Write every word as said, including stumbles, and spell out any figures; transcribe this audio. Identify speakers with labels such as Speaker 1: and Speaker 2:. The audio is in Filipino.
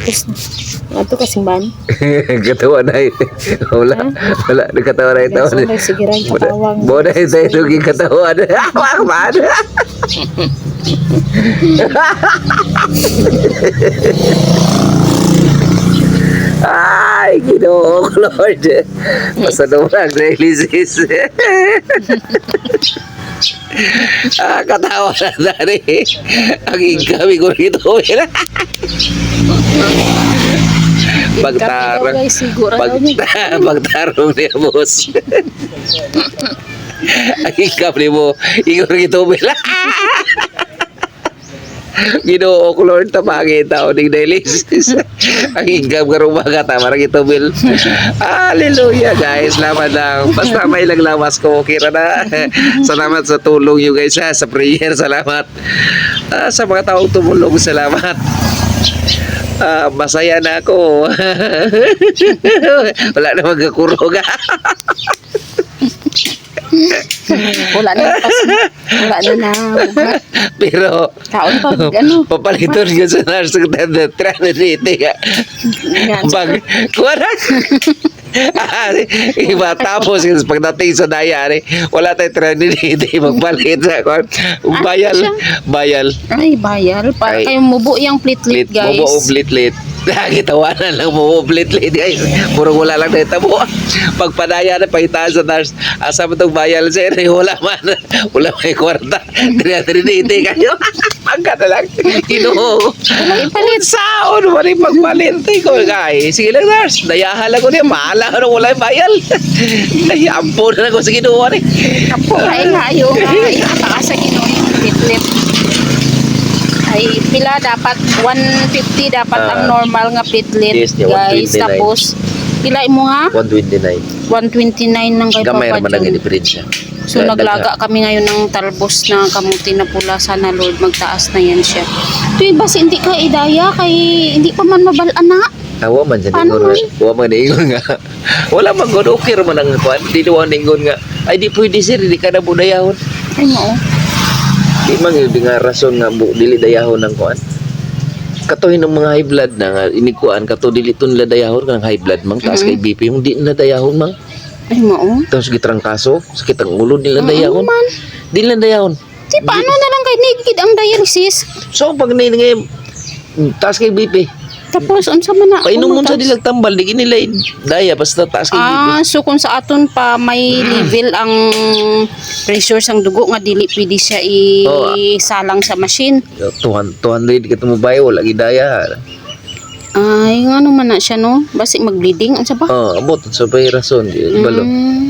Speaker 1: Tapos na. Ato kasing ban.
Speaker 2: Katawa na eh. Wala, wala, nagkatawa na ito.
Speaker 1: Sige, sige rin, katawang.
Speaker 2: Boda ito yung naging katawan. Wak man. Ay, Ginoo ko, Lord. Basta naman, dialysis. Ah, katawa na dari. Ang ingkami ko rito. Pagtarong.
Speaker 1: Guys, siguro daw niya.
Speaker 2: Pagtarong niya, boss. Ang ingkam ni mo. Igor ito, Bela. Ginoo ko, Lord, tamangin tao ng dialysis. Ang ingam ka rumaga, tamarang ito, Bill. Hallelujah, guys. Salamat lang. Basta may lang lawas ko, okay na. Salamat sa tulong nyo, guys, ha? Sa prayer, salamat. Ah, sa mga taong tumulong, salamat. Ah, masaya na ako. Wala na magkakurog.
Speaker 1: Wala na pas. Wala na na.
Speaker 2: Pero
Speaker 1: Kaon pa, ano?
Speaker 2: papaliton ka sa nurse ng trinity ka. Pag, kuha na. Iba tapos pagdating sa dayari, wala tayong trinity, magpalit sa kuha. Bayal, bayal.
Speaker 1: Ay, bayal. Para
Speaker 2: Ay.
Speaker 1: kayong mubo yung plitlit,
Speaker 2: Lit,
Speaker 1: guys.
Speaker 2: bobo oblit-lit. Nakakitawanan lang mo oblit-lit, guys. Puro wala lang na itabo. Pagpadaya na, pahitaan sa nurse. Asa mo itong bayal, sir? Wala man. Wala may kwarta. Trinity kayo. Pagka na lang. Ginoo.
Speaker 1: Ipalit.
Speaker 2: Saon mo rin pagpalit. Ko, guys. Sige lang, nurse. Dayahan lang ko niya. Mahala ko nung wala yung bayal. Ay, ampo na lang ko sa ginoo rin.
Speaker 1: Kapo, ay layo. Ay, ataka sa ginoy yung plitlit. Ay, pila dapat one fifty dapat
Speaker 2: Ah.
Speaker 1: ang normal nga plitlit,
Speaker 2: Yes, yeah,
Speaker 1: guys.
Speaker 2: one twenty-nine.
Speaker 1: Tapos, pila mo nga?
Speaker 2: one twenty-nine.
Speaker 1: one twenty-nine lang kay
Speaker 2: Gamay
Speaker 1: Papa
Speaker 2: naman ang
Speaker 1: John.
Speaker 2: diferensya.
Speaker 1: So, naglaga kami ngayon ng talbos na kamuti na pula. Sana, Lord, magtaas na yan siya. Ito iba, si hindi ka idaya kay hindi pa man mabalaan na.
Speaker 2: Tawa man dyan
Speaker 1: Paano
Speaker 2: ingon.
Speaker 1: man?
Speaker 2: Huwa man ingon nga. Wala man god okay man ang kuan. Di naman ingon nga. Ay di pwede sir, di ka na budayahon.
Speaker 1: Ay, mo.
Speaker 2: Di man yun nga rason nga bu, dili dayahon ng kuan. Katuhin ng mga high blood na nga inikuan kato dili tun la dayahon kang high blood mang taas kay B P yung di na dayahon mang.
Speaker 1: Ay, mo.
Speaker 2: Tapos gitrangkaso, sakit ang ulo nila dayahon.
Speaker 1: man.
Speaker 2: Di na dayahon.
Speaker 1: Di, paano na lang kay naked ang dialysis?
Speaker 2: So pag ni ngay taas kay B P.
Speaker 1: Tapos, unsa man na?
Speaker 2: Painom mo sa
Speaker 1: Tapos-
Speaker 2: dilag tambal di nila daya basta taas kay B P.
Speaker 1: Ah, so kung sa aton pa may level ang pressure sang dugo nga dili pwede siya
Speaker 2: Oh,
Speaker 1: isalang sa machine.
Speaker 2: two hundred kita mo bayo wala gidaya.
Speaker 1: Ay, nga naman na siya, no? Basi mag-bleeding, ano ba?
Speaker 2: Oh, abot sa may rason di balo.
Speaker 1: Mm.